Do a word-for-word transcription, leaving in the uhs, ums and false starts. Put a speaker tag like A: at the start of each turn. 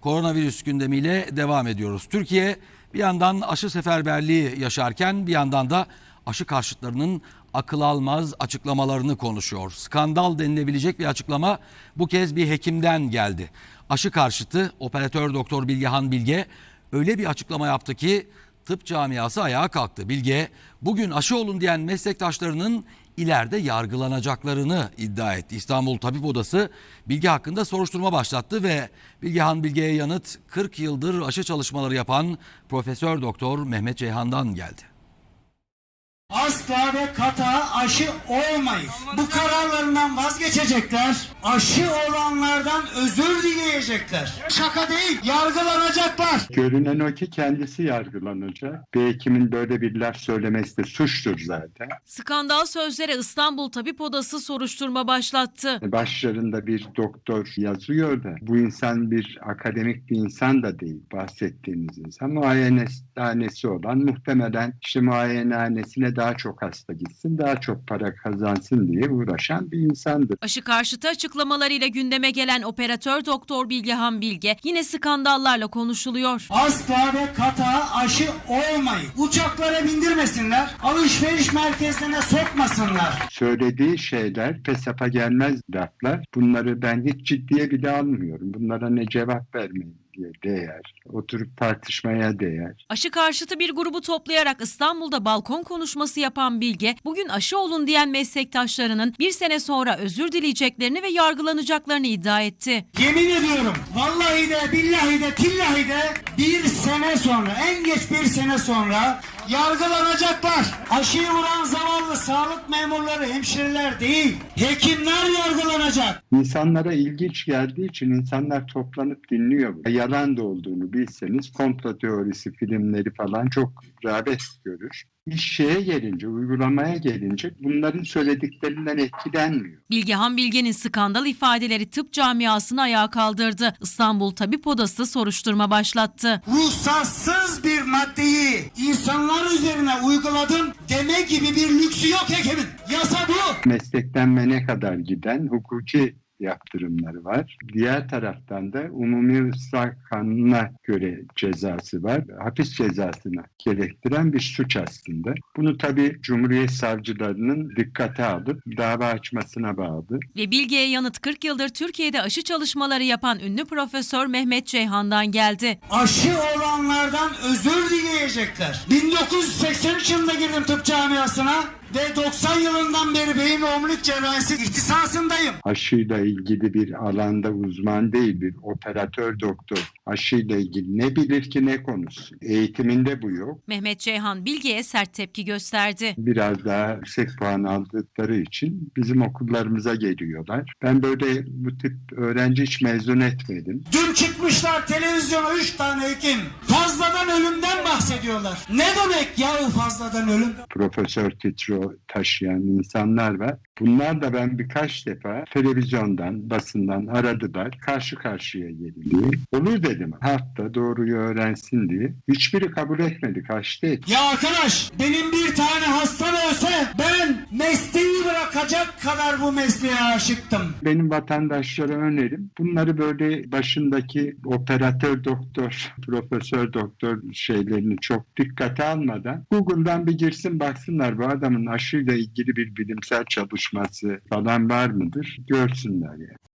A: Koronavirüs gündemiyle devam ediyoruz. Türkiye bir yandan aşı seferberliği yaşarken bir yandan da aşı karşıtlarının akıl almaz açıklamalarını konuşuyor. Skandal denilebilecek bir açıklama bu kez bir hekimden geldi. Aşı karşıtı operatör doktor Bilgehan Bilge öyle bir açıklama yaptı ki tıp camiası ayağa kalktı. Bilge bugün aşı olun diyen meslektaşlarının ileride yargılanacaklarını iddia etti. İstanbul Tabip Odası Bilge hakkında soruşturma başlattı ve Bilgehan Bilge'ye yanıt kırk yıldır aşı çalışmaları yapan Profesör Doktor Mehmet Ceyhan'dan geldi.
B: Asla ve kata aşı olmayız. Bu kararlarından vazgeçecekler. Aşı olanlardan özür dileyecekler. Şaka değil, yargılanacaklar.
C: Görünen o ki kendisi yargılanacak. Bir hekimin böyle bir laf söylemesi de suçtur zaten.
D: Skandal sözlere İstanbul Tabip Odası soruşturma başlattı.
C: Başlarında bir doktor yazıyor da bu insan bir akademik bir insan da değil, bahsettiğiniz insan. Muayenehanesi olan, muhtemelen işte muayenehanesine daha çok hasta gitsin, daha çok para kazansın diye uğraşan bir insandır.
D: Aşı karşıtı açıklamalarıyla gündeme gelen operatör doktor Bilgehan Bilge yine skandallarla konuşuluyor.
B: Asla ve kata aşı olmayın. Uçaklara bindirmesinler, alışveriş merkezlerine sokmasınlar.
C: Söylediği şeyler pesapa gelmez laflar. Bunları ben hiç ciddiye bile almıyorum. Bunlara ne cevap vermeyin diye değer. Oturup tartışmaya değer.
D: Aşı karşıtı bir grubu toplayarak İstanbul'da balkon konuşması yapan Bilge, bugün aşı olun diyen meslektaşlarının bir sene sonra özür dileyeceklerini ve yargılanacaklarını iddia etti.
B: Yemin ediyorum, vallahi de billahi de tillahi de bir sene sonra, en geç bir sene sonra yargılanacaklar. Aşıyı vuran zavallı sağlık memurları, hemşireler değil, hekimler yargılanacak.
C: İnsanlara ilginç geldiği için insanlar toplanıp dinliyor. Yalan da olduğunu bilseniz komplo teorisi filmleri falan çok rağbet görür. İş şeye gelince, uygulamaya gelince bunların söylediklerinden etkilenmiyor.
D: Bilgehan Bilge'nin skandal ifadeleri tıp camiasını ayağa kaldırdı. İstanbul Tabip Odası soruşturma başlattı.
B: Ruhsatsız bir maddeyi insanlar üzerine uyguladım deme gibi bir lüksü yok hekimin. Yasa bu.
C: Meslekten mene kadar giden hukuki yaptırımları var. Diğer taraftan da umumi ıslah kanununa göre cezası var. Hapis cezasına gerektiren bir suç aslında. Bunu tabii Cumhuriyet savcılarının dikkate alıp dava açmasına bağlı.
D: Ve Bilge'ye yanıt kırk yıldır Türkiye'de aşı çalışmaları yapan ünlü Profesör Mehmet Ceyhan'dan geldi.
B: Aşı olanlardan özür dileyecekler. bin dokuz yüz seksen üç yılında girdim tıp camiasına ve doksan yılından beri beyin ve omurilik cerrahisi ihtisasındayım.
C: Aşıyla ilgili bir alanda uzman değil, bir operatör doktor. Aşıyla ilgili ne bilir ki ne konuşsun. Eğitiminde bu yok.
D: Mehmet Ceyhan Bilge'ye sert tepki gösterdi.
C: Biraz daha yüksek puan aldıkları için bizim okullarımıza geliyorlar. Ben böyle bu tip öğrenci hiç mezun etmedim.
B: Dün çıkmışlar televizyona üç tane hekim. Fazladan ölümden bahsediyorlar. Ne demek yahu fazladan ölüm?
C: Profesör titro taşıyan insanlar var. Bunlar da ben birkaç defa televizyondan, basından aradılar. Karşı karşıya gelin. Olur dedim. Halk da doğruyu öğrensin diye. Hiçbiri kabul etmedi. Kaçtı etti.
B: Ya arkadaş, benim bir tane hastam olsa ben mesleği bırakacak kadar bu mesleğe aşıktım.
C: Benim vatandaşlara önerim bunları böyle başındaki operatör doktor, profesör doktor şeylerini çok dikkate almadan Google'dan bir girsin baksınlar bu adamın aşıyla ilgili bir bilimsel çalışması falan var mıdır görsünler yani.